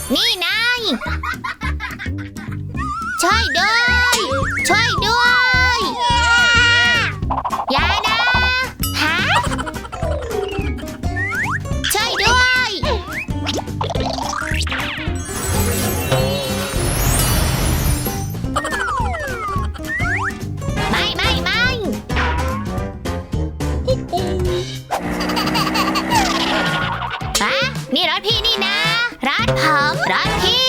นี่นายช่วยด้วยช่วยด้วยอย่านะฮะช่วยด้วยไม่ฮะนี่รถพี่นี่นะรถผมรถพี่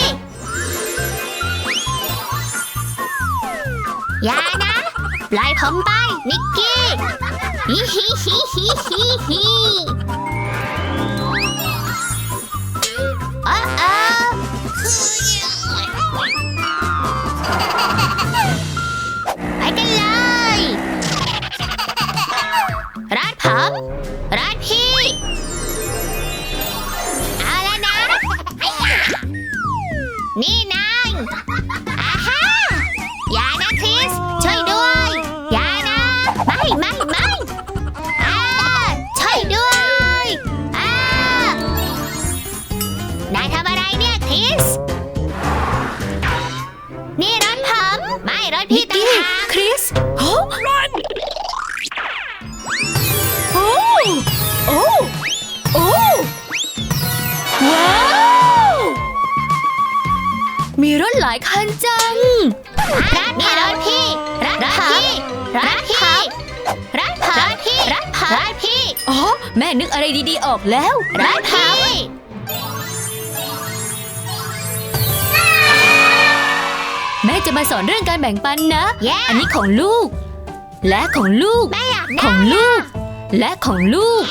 อย่านะปล่อยผมไปนิกกี้ฮิฮิฮิฮิฮิฮิโอ้โอ้ไปกันเลยรถผมรถพี่เอาแล้วนะนี่นายอาฮาอย่านะคริสช่วยด้วยอย่านะไม่ช่วยด้วยนายทำอะไรเนี่ยคริสนี่รถผมไม่รถพี่ต่างหากคริสโอ้รันโอ้โอ้โอ้ว้าวมีรถหลายคันจังนี่รถพี่รถพี่อ๋อแม่นึกอะไรดีๆออกแล้วรถพี่แม่จะมาสอนเรื่องการแบ่งปันนะ Yeah. อันนี้ของลูกและของลูกแม่อยากได้ของลูกและของลูก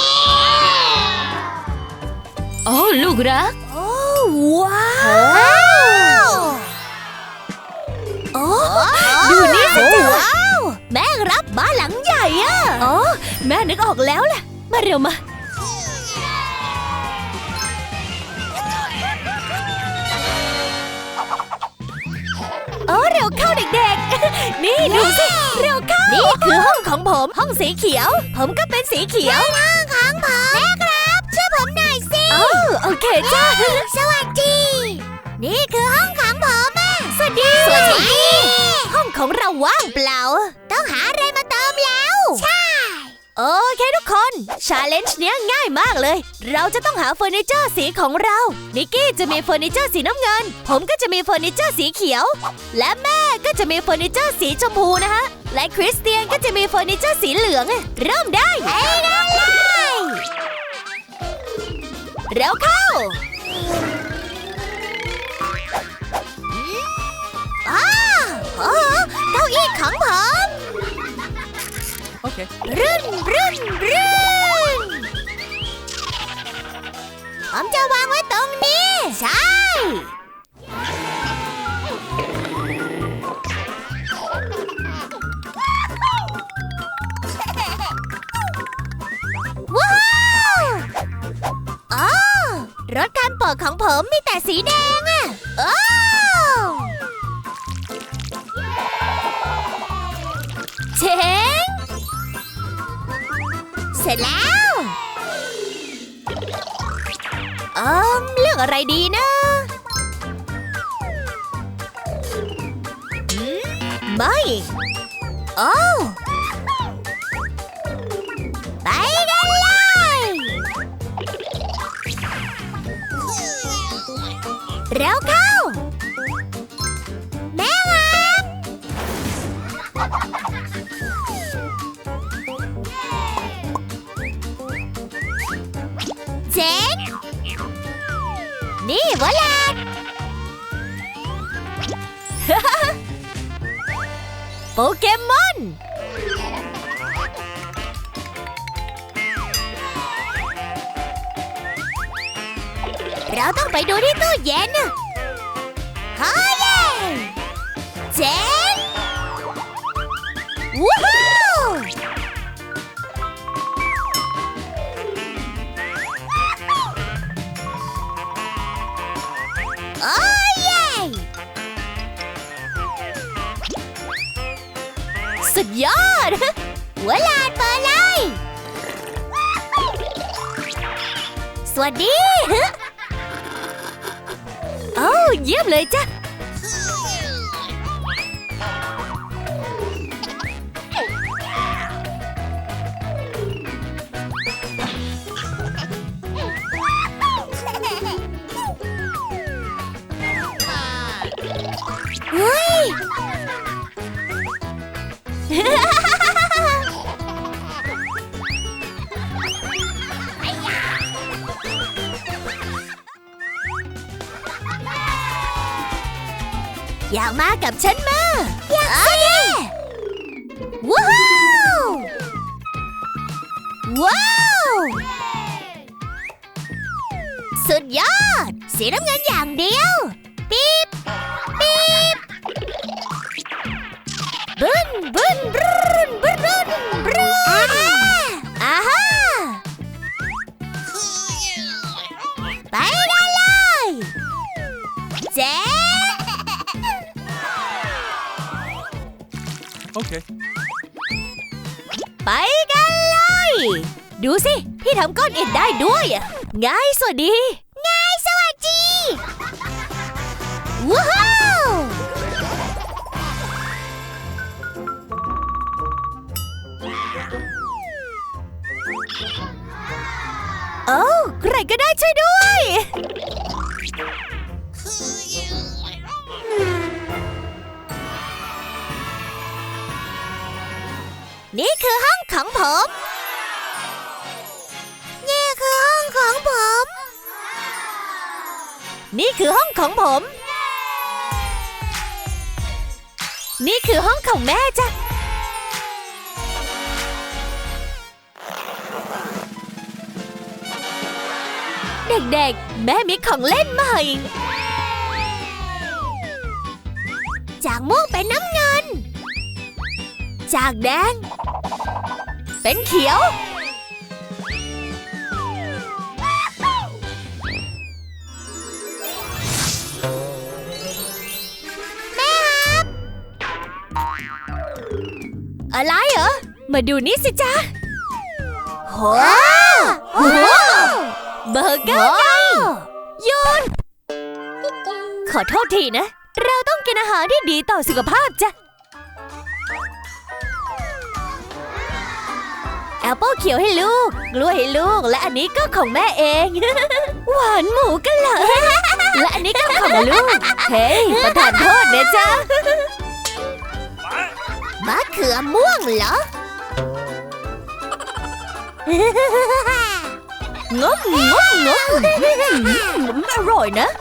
โอ้ลูกรักโอ้ว้าว โอ้ดูนี่สิว้าวแม่รับบ้านหลังใหญ่อะอ๋อแม่นึกออกแล้วแหละมาเร็วมาโอ้เร็วเข้าเด็กๆนี่ดูสิเร็วเข้านี่คือห้องของผมห้องสีเขียวผมก็เป็นสีเขียวห้องของผมแม่ครับช่วยผมหน่อยสิโอเคจ้าสวัสดีนี่คือห้องของผมสวัสดีห้องของเราว่างเปล่าต้องหาอะไรมาเติมแล้วใช่โอเคทุกคนชาเลนจ์เนี้ยง่ายมากเลยเราจะต้องหาเฟอร์นิเจอร์สีของเรานิกกี้จะมีเฟอร์นิเจอร์สีน้ำเงินผมก็จะมีเฟอร์นิเจอร์สีเขียวและแม่ก็จะมีเฟอร์นิเจอร์สีชมพูนะคะและคริสเตียนก็จะมีเฟอร์นิเจอร์สีเหลืองเริ่มได้เร็วเข้าเก้าอี้ของผมโอเครื่นผมจะวางไว้ตรงนี้ใช่ว้าวอ๋อรถคันโปรดของผมมีแต่สีแดงโอ้เจ๋งเสร็จแล้วเลือกอะไรดีนะไม่โอ้ไปกันเลยเร็วเข้าแม่ครับเจ๋งนี่วอลลัดโปเกมอนเราต้องไปดูที่ตู้เย็นเฮ้ยเจ๋งวู้ฮู้โอ้เย่สุดยอดหัวลานเปิดเลยสวัสดีโอ้เยี่ยมเลยจ้ะเฮ้ย อยากมากับฉันมาอยากสิว้าวว้าวสุดยอดสีน้ำเงินอย่างเดียวปี๊บปี๊บบึ้นบึ้นบึ้นบึ้นบึ้นบึ้นอ่าฮะไปได้เลยเจ๊ Okay. ไปกันเลย ดูสิ พี่ทำก้อนอิฐได้ด้วยง่ายสวัสดีง่ายสวัสดีว้าวโอ้ใครก็ได้ช่วยด้วยนี่คือห้องของผม นี่คือห้องของผม นี่คือห้องของผม นี่คือห้องของแม่จ้ะ เด็กๆ แม่มีของเล่นใหม่ จากม่วงเป็นน้ำเงิน จากแดงเป็นเขียวแม่ครับอะไรเหรอมาดูนี่สิจ๊ะว้าวเบอร์เกอร์ไงโยนขอโทษทีนะเราต้องกินอาหารที่ดีต่อสุขภาพจ้ะแอปเปิ้ลเขียวให้ลูกกล้วยให้ลูกและอันนี้ก็ของแม่เอง หวานหมูกันเหรอ และอันนี้ก็ของลูกเฮ้ยประทานโทษนะจ๊ะมะเขือม่วงเหรองมงมงมอร่อยนะ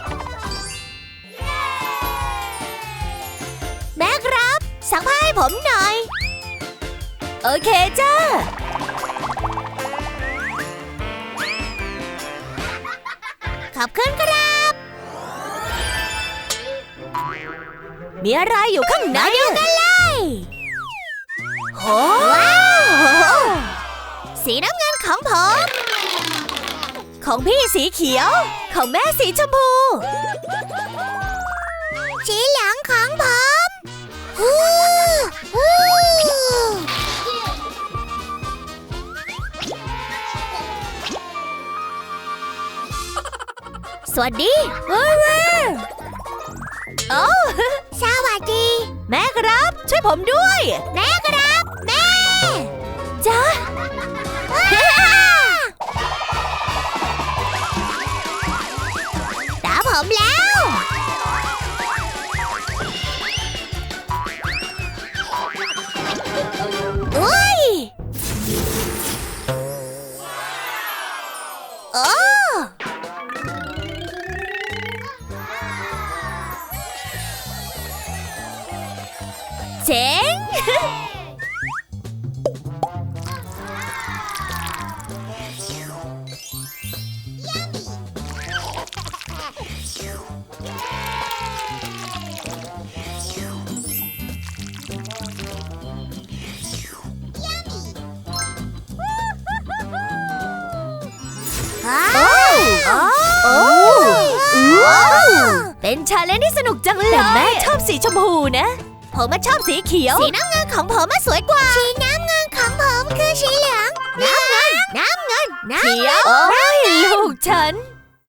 แม่ครับซักผ้าให้ผมหน่อยโอเคจ้าขอบคุณครับมีอะไรอยู่ข้างในเดียวกันเลยโหว้าวสีน้ำเงินของผมของพี่สีเขียวของแม่สีชมพูสีเหลืองของผมสวัสดีโอ้สวัสดีแม่ครับช่วยผมด้วยแม่ครับแม่จ้าตาผมแล้วอุ้ยโอ้เจ๋ง เป็นชาเลนจ์ที่สนุกจังเลยแต่แม่ชอบสีชมพูนะผมชอบสีเขียวสีน้ำเงินของผมสวยกว่าสีน้ำเงินของผมคือสีเหลืองน้ำเงินเขียวโอ้ยลูกฉัน